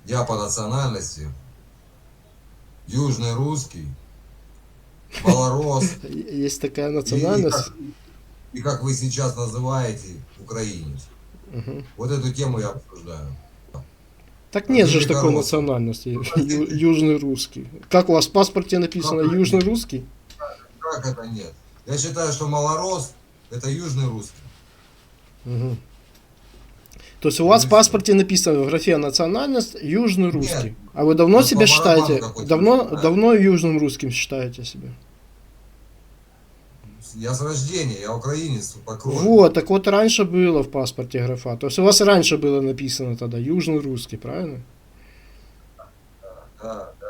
Я по национальности южный русский, малорос, Есть такая и, национальность. и как вы сейчас называете, украинец. Мгм. Вот эту тему я обсуждаю. Так От нет же ж такой великороссов. национальности. Южный русский. Как у вас в паспорте Как написано это южный нет? русский? Как это нет? Я считаю, что малорос это южный русский. Мгм. То есть у Вот вас и в все. паспорте написано в графе национальность южный Нет, русский. А вы давно вот по себя барабану считаете? какой-то выбирает. Давно южным русским считаете себя? Я с рождения, я украинец по крови. Вот, так вот раньше было в паспорте графа. То есть у вас раньше было написано тогда южный русский, правильно? Да,